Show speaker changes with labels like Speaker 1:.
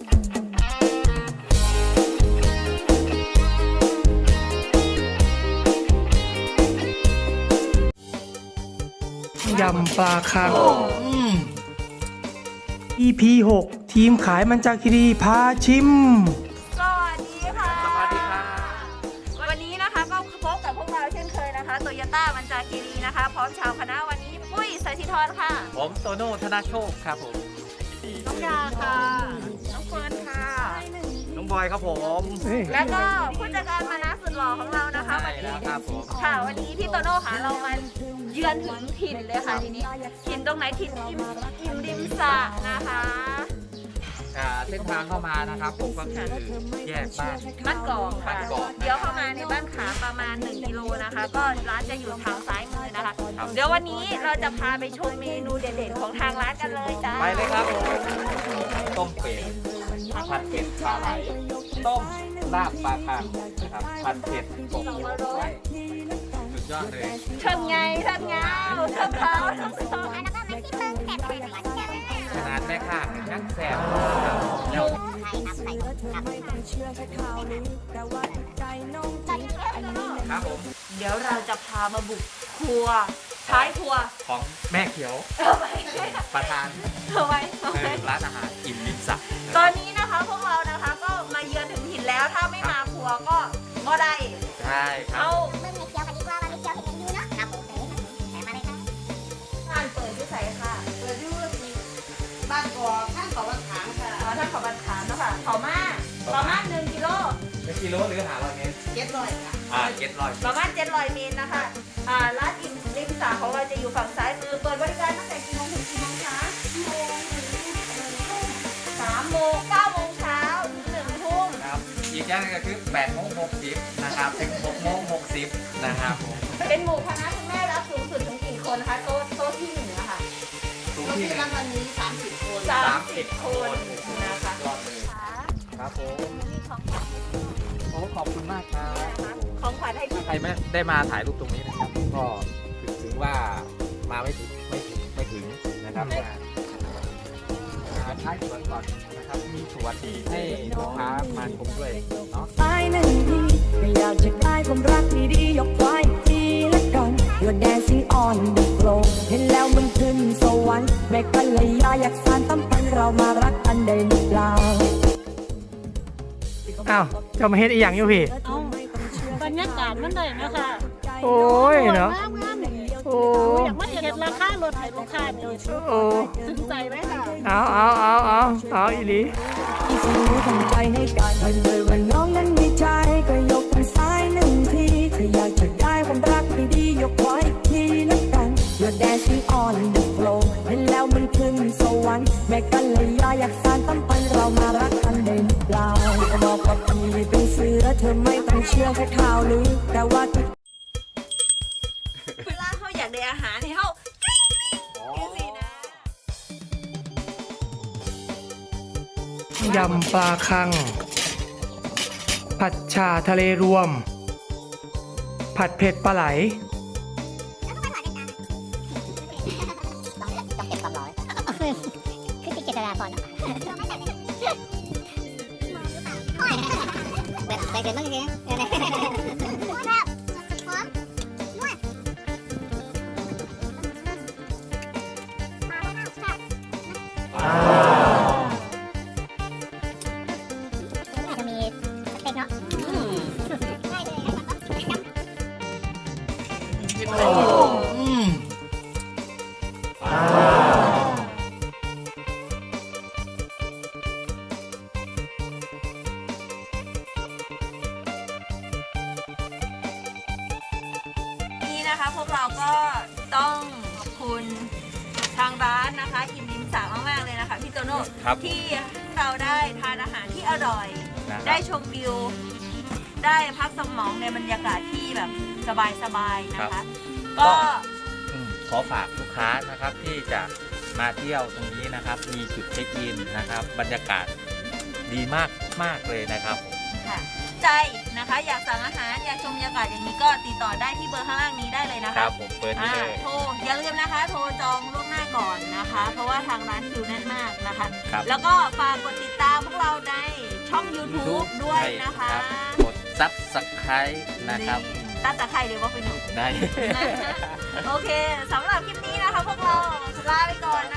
Speaker 1: ยำปลาคัง EP 6 ทีมขายมันจาคีรีพาชิม
Speaker 2: สวัสดีค่ะ
Speaker 3: สวัสดีครับ
Speaker 2: วันนี้นะคะก็พบกับพวกเราเช่นเคยนะคะโตโยต้ามันจาคีรีนะคะพร้อมชาวคณะวันนี้ปุ้ยสายธิธรค่ะ
Speaker 3: ผมโตโน่ธนาโชคครับผม
Speaker 2: น้องยาค่ะน้องเฟิร์นค่ะ
Speaker 3: น้องบอยครับผม
Speaker 2: แล้วก็ผู้จัดการมานะสุดหล่อของเรานะคะวันนี้
Speaker 3: ครับผม
Speaker 2: ค่ะวันนี้พี่โตโน่ค่ะเรามาเยือนถึงถิ่นเลยค่ะทีนี้ถิ่นตรงไหนถิ่นอิ่มริมสระนะคะ
Speaker 3: เส้นทางเข้ามานะครับผมก็คือแยกบ้าน
Speaker 2: กอกค่ะ
Speaker 3: บ้านกอก
Speaker 2: เดี๋ยวเข้ามาในบ้านขาประมาณ1กิโลนะคะ ก็ร้านจะอยู่ทางซ้ายมือนะคะ
Speaker 3: ครับ
Speaker 2: เดี๋ยววันนี้เราจะพาไปชมเมนูเด็ดๆของทางร้านกันเลยจ้า
Speaker 3: ไปเลยครับผมต้มเป็ดผัดเผ็ดปลาไหลต้มลาบปลาคังนะครับผัดเผ็ดกบสุดยอดเลย
Speaker 2: เชิญไงเชิญเงาเชิญเขาเชิญเขา
Speaker 3: ขนาดแม่ข้างยังแสบ ครับผม
Speaker 2: เดี๋ยวเราจะพามาบุกครัวท้ายครัว
Speaker 3: ของแม่เขียว
Speaker 2: เอาไป
Speaker 3: ประธาน
Speaker 2: เอาไว้เอาไว้
Speaker 3: ร้านอาหารอิ่มริมสระ
Speaker 2: ตอนนี้นะคะพวกเรานะคะก็มาเยือนถึงถิ่นแล้วถ้าไม่มาครัวก็ได้
Speaker 3: ใช่ครับ
Speaker 2: เอา
Speaker 4: เมื่อมีเคี้ยวกันดีกว่ามันมีเคี้ยวเห็นกันอยู่เนาะครับผมแต่มาเลยครับ
Speaker 2: งานเปิดที่ใส่ค่ะเปิดที่บ้านกอกท่านเขาบันขางค่ะท่านเขาบันขางเนาะค่ะเขามาประมาณ1 กิโล
Speaker 3: เป็นกิโลหรือหาร้อยเมตร
Speaker 2: 700ค่ะ
Speaker 3: 700
Speaker 2: ประมาณ700 เมตรนะคะร้านอิ่มริมสระของเราจะอยู่ฝั่งซ้ายมือเปิดบริการตั้งแต่กี่โมงถึงกี่โมงคะ3 โมง 9 โมงเช้าถึง1 ทุ่ม
Speaker 3: ครับอีกอย่างหนึงก็คือ8 โมง 60นะครับถึง6 โมง 60นะครับผม
Speaker 2: เป็นหมู่คณะคุณแม่รับสูงสุดถึงกี่คนนะคะโต๊ะที่1นะคะ
Speaker 3: ทุกที่เลย
Speaker 2: วันนี้30 คน30 คนนะคะ
Speaker 3: ยอดเลยครับผมโอ้ขอบคุณมากครับ
Speaker 2: ของขวัญให้พี่
Speaker 3: ใครไม่ได้มาถ่ายรูปตรงนี้นะครับ ก็ถือว่ามาไม่ถึงนะครับมาท้ายสวนก่อนนะครับมีสวนให้ลูกค้ามาชมด้วยเนาะ
Speaker 5: ไปหนึ่งทีก็อยากจะได้ความรักดีๆยกไว้ทีละกัน You're dancing on the floor เห็นแล้วมันขึ้นสวรรค์แม่กันเลยอยากสานตั้มพันเรามารักกันได้หรือเปล่า
Speaker 1: อ้าวจะมาเฮ็ดอีหยังอยู่พี่
Speaker 6: เอาบรรยากาศมันได้นะคะ
Speaker 1: โอ้ยเนาะ
Speaker 6: งามๆ
Speaker 1: โอ้
Speaker 6: อยากมาเห็นราคารถไถลูกค้านี่
Speaker 1: โอ้
Speaker 6: สนใจไหมคะ
Speaker 1: เอาอีหลี
Speaker 5: ที่สิ่งนี้ทำใจให้กันเห็นเลยว่าน้องนั้นมีใจก็ยกมือซ้ายหนึ่งทีถ้าอยากจะได้ความรักดีๆยกไว้ทีละกัน You're dancing on the floor เห็นแล้วมันขึ้นสวรรค์แม่กันเลยอยากสานตั้มพันเรามารักกันได้หรือเปล่าก็บอกว่าพี่เป็นเสือเธอไม่ต้องเชื่อแค่ข่าวลือแต่ว่า
Speaker 2: เวลาเขาอยากได้อาหารให้เขาสินะ
Speaker 1: ยำปลาคัง ผัดฉ่าทะเลรวม ผัดเผ็ดปลาไหล
Speaker 4: ต้องเก็บความร้อนคือติดเจตนาพอเนาะแบบไปเกินบ้างจริงๆแบบพร้อมนวดอาจจะมีสเต็กเนาะได้เลย
Speaker 2: นี่นะคะพวกเราก็ต้องขอบคุณทางร้านนะคะอิ่มริมสระมากๆเลยนะคะพี่โตโน่
Speaker 3: ครับ
Speaker 2: ที่เราได้ทานอาหารที่อร่อย
Speaker 3: นะครับ
Speaker 2: ได้ชมวิว ได้พักสมองในบรรยากาศที่แบบสบายๆนะคะ ก็
Speaker 3: ขอฝากลูกค้านะครับที่จะมาเที่ยวตรงนี้นะครับ มีจุดเช็คอินนะครับ บรรยากาศดีมากเลยนะครับผม
Speaker 2: ค่ะใจนะคะอยากสั่งอาหารอยากชมบรรยากาศอย่างนี้ก็ติดต่อได้ที่เบอร์ข้างล่างนี้ได้เลยนะ
Speaker 3: ค
Speaker 2: คะ
Speaker 3: รับผมเปิดที่เลย
Speaker 2: โทรอย่าลืมนะคะ โทรจองล่วงหน้าก่อนนะคะ เพราะว่าทางร้านคิวแน่นมากนะคะ
Speaker 3: ครับ
Speaker 2: แล้วก็ฝากกดติดตามพวกเรา YouTube ด้วยนะคะ
Speaker 3: รับกด Subscribe นะครับ
Speaker 2: ตั้งแต่ใครเดี๋ยวว่าไปหนู
Speaker 3: ได้
Speaker 2: โอเคสำหรับคลิปนี้นะคะพวกเราลาไปก่อน